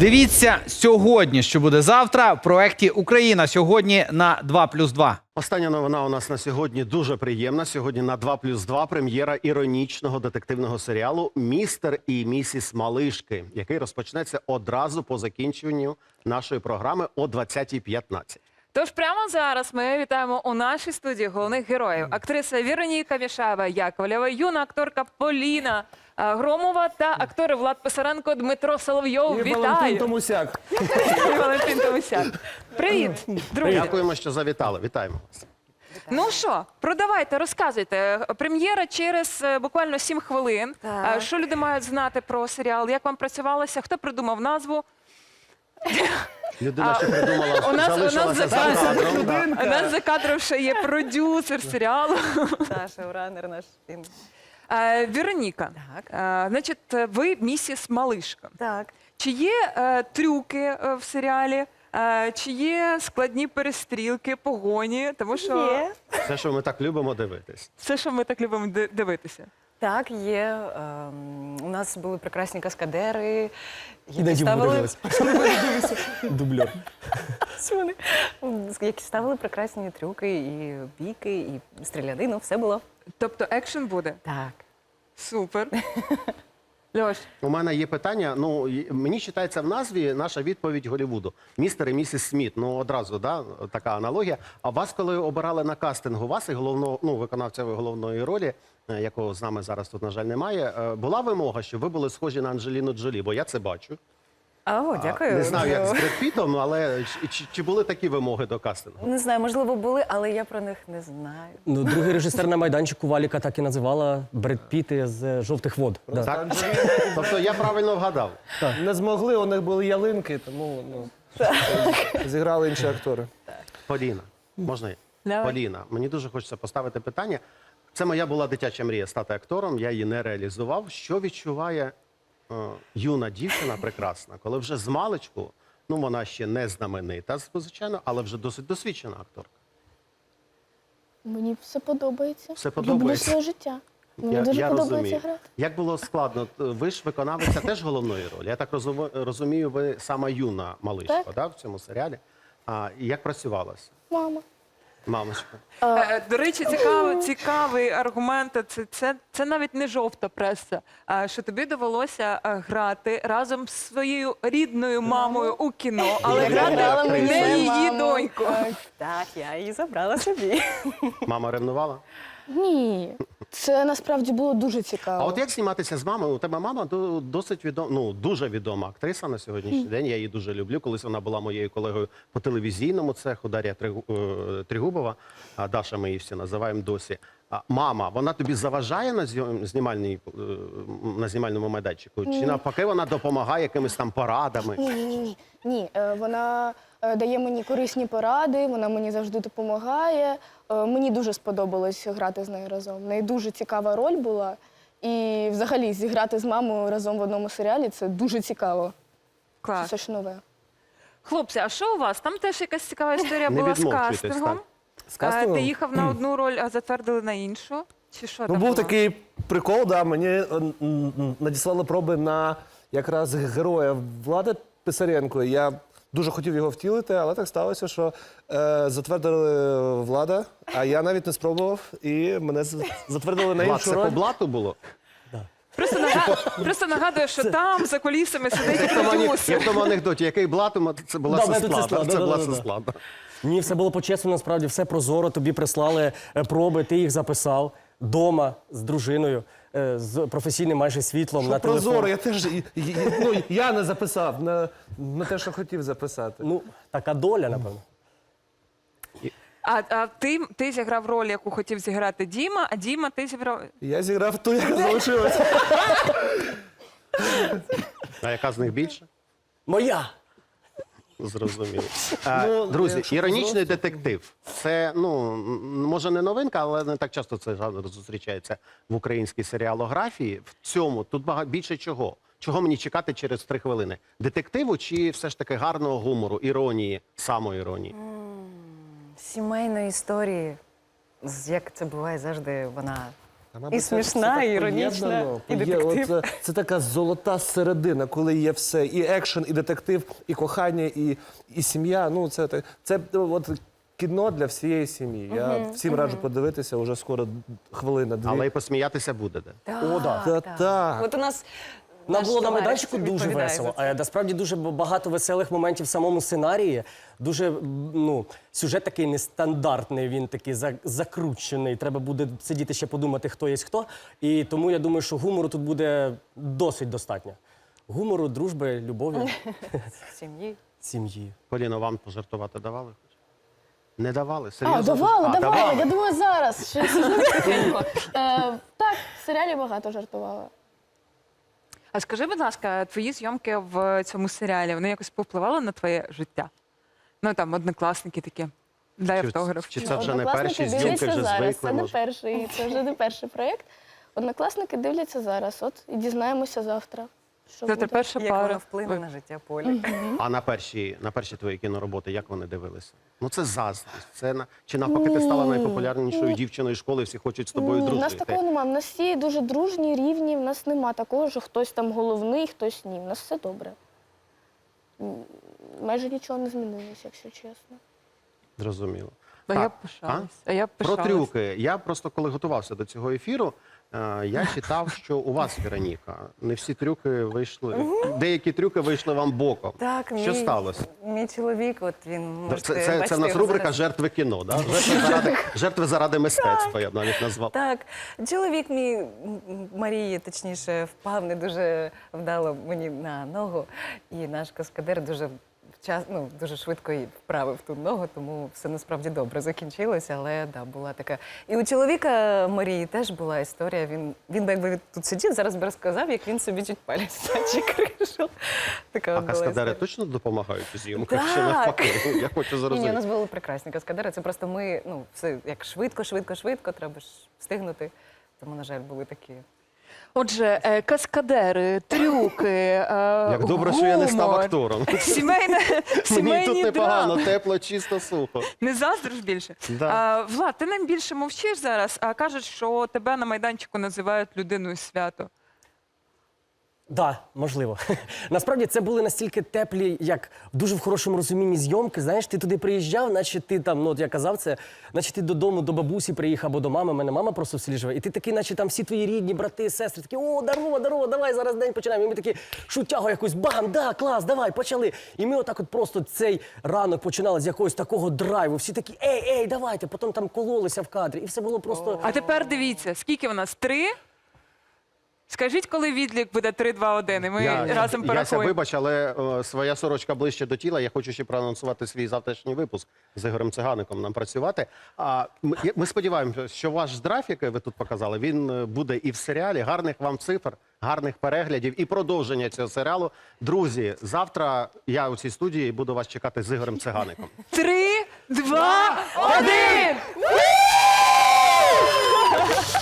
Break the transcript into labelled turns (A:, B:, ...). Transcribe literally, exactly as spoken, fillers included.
A: Дивіться сьогодні, що буде завтра в проєкті «Україна сьогодні» на два плюс два.
B: Остання новина у нас на сьогодні дуже приємна. Сьогодні на два плюс два прем'єра іронічного детективного серіалу «Містер і місіс Малишки», який розпочнеться одразу по закінченню нашої програми о двадцятій п'ятнадцять.
C: Тож прямо зараз ми вітаємо у нашій студії головних героїв. Актриса Вероніка Мішаєва-Яковлєва, юна акторка Поліна е, Громова та актори Влад Писаренко, Дмитро Соловйов.
D: І
C: Вітаю!
D: Валентин Томусяк.
C: І Валентин Томусяк. Привіт, друзі!
B: Дякуємо, що завітали. Вітаємо вас.
C: Ну що, продавайте, розказуйте. Прем'єра через е, буквально сім хвилин.
E: Так.
C: Е, Що люди мають знати про серіал? Як вам працювалося? Хто придумав назву?
B: Людина, що придумала,
C: у нас- у нас
B: залишилася за
C: за-
B: кадром. да.
C: У нас за кадром ще є продюсер серіалу.
E: Саша, уранер наш. Він.
C: Е, Вероніка,
E: Так.
C: е, значить, ви місіс Малишка.
E: Так.
C: Чи є е, трюки е, в серіалі? Е, чи є складні перестрілки, погоні? Тому що
E: Є.
B: Все, що ми так любимо дивитись.
C: все, що ми так любимо ди- дивитися.
E: Так, є. Ем, у нас були прекрасні каскадери. які
D: Іноді
E: ставили-
D: вмудрилась. Дублер.
E: Ось вони, які ставили прекрасні трюки, і бійки, і стрілянину, все було.
C: Тобто екшен буде?
E: Так.
C: Супер. Льош,
B: У мене є питання. Ну, і- мені читається в назві наша відповідь Голлівуду. Містер і місіс Сміт. Ну, одразу, да, така аналогія. А вас, коли обирали на кастингу, вас і головного, ну, виконавця головної ролі, е, якого з нами зараз тут, на жаль, немає, е, була вимога, щоб ви були схожі на Анджеліну Джолі, бо я це бачу.
E: О, дякую.
B: Не знаю, як з Бред Пітом, але чи, чи, чи були такі вимоги до кастингу?
E: Не знаю, можливо, були, але я про них не знаю.
D: Ну, другий режисер на майданчику Валіка так і називала Бред Піти з «Жовтих вод». Да.
B: Так? Тобто я правильно вгадав.
F: Не змогли, у них були ялинки, тому ну, зіграли інші актори.
B: Поліна, можна я?
C: Давай.
B: Поліна, мені дуже хочеться поставити питання. Це моя була дитяча мрія стати актором, я її не реалізував. Що відчуває е, юна дівчина прекрасна, коли вже з маличку, ну вона ще не знаменита, звичайно, але вже досить досвідчена акторка.
G: Мені все подобається.
B: Все
G: Люблю
B: подобається.
G: своє життя. Мені
B: Я,
G: дуже
B: я
G: подобається
B: розумію.
G: грати.
B: Як було складно? Ви ж виконавиця теж головної ролі. Я так розумію, розумію, ви сама юна малишка,
G: Так.
B: да, в цьому серіалі. А і як працювалося?
G: Мама.
B: Мамочка.
C: е, до речі, цікавий, цікавий аргумент. Це, це, це навіть не жовта преса, а що тобі довелося е, грати разом з своєю рідною мамою у кіно, але
B: Яка
C: грати
B: грала
C: не
B: мені
C: її
E: маму.
C: доньку.
E: Так, я її забрала собі.
B: Мама ревнувала?
G: Ні. Це насправді було дуже цікаво.
B: А от як зніматися з мамою? У тебе мама до- досить відома, ну дуже відома актриса на сьогоднішній день. Я її дуже люблю. Колись вона була моєю колегою по телевізійному цеху, Дар'я Тригу- е, Тригубова, а Даша ми її всі називаємо досі. А мама, вона тобі заважає на зйом- знімальній, е, на знімальному майданчику? Чи навпаки вона допомагає якимись там порадами?
G: Ні, ні, ні. Ні, е, вона е, дає мені корисні поради, вона мені завжди допомагає. Е, Мені дуже сподобалось грати з нею разом. В неї дуже цікава роль була. І взагалі зіграти з мамою разом в одному серіалі це дуже цікаво.
C: Клас.
G: Це щось нове.
C: Хлопці, а що у вас? Там теж якась цікава історія
B: Не
C: була з
B: відмовчуйтесь,
C: кастингом.
B: так.
D: З
C: Е,
D: кастингом?
C: Ти їхав на одну роль, а затвердили на іншу? Чи що
F: Ну,
C: там
F: був
C: було?
F: такий прикол, да, мені е, м, м, надіслали проби на якраз героя Влада Писаренко. Я дуже хотів його втілити, але так сталося, що е, затвердили Влада, а я навіть не спробував, і мене з- затвердили на
B: Влад,
F: іншу
B: це по
F: роль.
B: блату було?
C: Просто, нага- Просто нагадую, що там за кулісами сидить
B: Як в тому ане-
C: продюсер.
B: як в тому анекдоті, який блату, це була
D: Да,
B: сестла.
D: це сестра,
B: да, Це
D: да,
B: була
D: да, да, да.
B: сестла. да.
D: Ні, все було по-чесному, насправді, все прозоро. Тобі прислали е, проби, ти їх записав дома з дружиною, е, з професійним майже світлом на
F: Що прозоро,
D: телефон.
F: я теж і- і- і- ну, я не записав на, на те, що хотів записати.
D: Ну, така доля, напевно.
C: А, а ти, ти зіграв роль, яку хотів зіграти Діма, а Діма ти зіграв.
F: Я зіграв ту, яка залишилася.
B: А яка з них більше?
D: Моя!
B: Зрозуміло. А,
F: Ну,
B: друзі,
F: якщо
B: іронічний детектив. Це, ну, м, може не новинка, але не так часто цей жанр зустрічається в українській серіалографії. В цьому тут багато більше чого. Чого мені чекати через три хвилини? Детективу чи все ж таки гарного гумору, іронії, самоіронії?
E: Сімейної історії, з- як це буває завжди, вона
F: А, мабуть,
E: І
F: це
E: смішна,
F: все
E: і
F: так
E: іронічна,
F: поєднано,
E: і
F: поє-
E: детектив.
F: От, е, це така золота середина, коли є все. І екшен, і детектив, і кохання, і, і сім'я. Ну, це, так- це е, от, кіно для всієї сім'ї. Я всім раджу подивитися, уже скоро хвилина-дві.
B: Але й посміятися буде де.
D: О, да.
F: Та так.
E: От у нас
D: Нам
E: наш
D: було на
E: товариш
D: майданчику дуже
E: відповідає
D: весело.
E: за це.
D: А насправді дуже багато веселих моментів в самому сценарії. Дуже м, ну, сюжет такий нестандартний, він такий за- закручений. Треба буде сидіти ще подумати, хто є хто. І тому я думаю, що гумору тут буде досить достатньо. Гумору, дружби, любові,
E: Сім'ї.
D: сім'ї.
B: Поліно, вам пожартувати давали? Не давали? Серйозно?
G: А, давали,
B: А,
G: давали. Я думаю, зараз. Ще сижу тихенько. Е, Так, в серіалі багато жартувала.
C: А скажи, будь ласка, твої зйомки в цьому серіалі, вони якось повпливали на твоє життя? Ну там однокласники такі. Дай
B: Чи-
C: автограф.
B: чи це вже не
G: Однокласники
B: перші зйомки,
G: дивляться
B: вже
G: зараз.
B: звикли,
G: Це не
B: може?
G: перший, це вже не перший проєкт. Однокласники дивляться зараз. От і дізнаємося завтра. Що
C: Це
G: буде.
C: перша
E: Як
C: пара.
E: воно вплине на життя Полі.
B: А на перші, на перші твої кінороботи, як вони дивилися? Ну це заздрість. Це на чи навпаки ти стала найпопулярнішою дівчиною школи, всі хочуть з тобою
G: Ні, в нас
B: дружити.
G: такого немає. В нас всі дуже дружні, рівні. В нас нема такого, що хтось там головний, хтось ні. В нас все добре. М, Майже нічого не змінилося, якщо чесно.
B: Зрозуміло.
C: А я
B: Так,
C: пишалась. А я
B: Про
C: пишалась.
B: трюки. Я просто коли готувався до цього ефіру, е, я читав, що у вас, Вероніка, не всі трюки вийшли. Деякі трюки вийшли вам боком.
E: Так,
B: Що
E: мій,
B: сталося?
E: мій чоловік, от він можете
B: Це, це, це
E: бачити
B: в нас
E: його
B: рубрика
E: зараз.
B: жертви кіно, да? жертви, заради, жертви заради мистецтва, я б навіть назвав.
E: Так, чоловік мій м, м, Марії, точніше, впав не дуже вдало мені на ногу, і наш каскадер дуже вчас, ну, дуже швидко і вправив ту ногу, тому все насправді добре закінчилося, але да, була така. І у чоловіка Марії теж була історія. Він, він би якби тут сидів, зараз би розказав, як він собі чуть палець наче кришив. Така
B: А
E: от була
B: каскадери
E: історія.
B: точно допомагають у зйомках? Чи
E: Так.
B: навпаки? Я хочу
E: Ні, ні, у
B: зрозуміти.
E: нас були прекрасні каскадери. Це просто ми, ну, все як швидко, швидко, швидко, треба ж встигнути. Тому, на жаль, були такі.
C: Отже, е, каскадери, трюки, е,
B: Як добре, що я не став
C: гумор,
B: актором.
C: Сімейне,
B: Мені тут
C: сімейні
B: непогано,
C: драми.
B: тепло, чисто, сухо.
C: Не заздриш більше?
B: Да.
C: А, Влад, ти нам більше мовчиш зараз, а кажуть, що тебе на майданчику називають людиною свято.
D: Так, да, можливо. Насправді це були настільки теплі, як в дуже в хорошому розумінні зйомки. Знаєш, ти туди приїжджав, наче ти там, ну от я казав це, наче ти додому до бабусі приїхав або до мами. У мене мама просто в селі живе. І ти такий, наче там всі твої рідні, брати, сестри, такі, о, дарова, дарова, давай зараз день починаємо. І ми такі шутягу якусь, бам, да, клас, давай, почали. І ми отак от просто цей ранок починали з якогось такого драйву. Всі такі, ей, ей, давайте. Потім там кололися в кадрі. І все було просто.
C: А тепер дивіться, скільки в нас? Три? Скажіть, коли відлік буде три, два, один, і ми разом
B: Яся,
C: порахуємо.
B: вибач, але е, своя сорочка ближче до тіла. Я хочу ще проанонсувати свій завтрашній випуск з Ігорем Цигаником нам працювати. А ми, я- ми сподіваємося, що ваш графік, який ви тут показали, він е, буде і в серіалі. Гарних вам цифр, гарних переглядів і продовження цього серіалу. Друзі, завтра я у цій студії буду вас чекати з Ігорем Цигаником.
C: Три, два, один!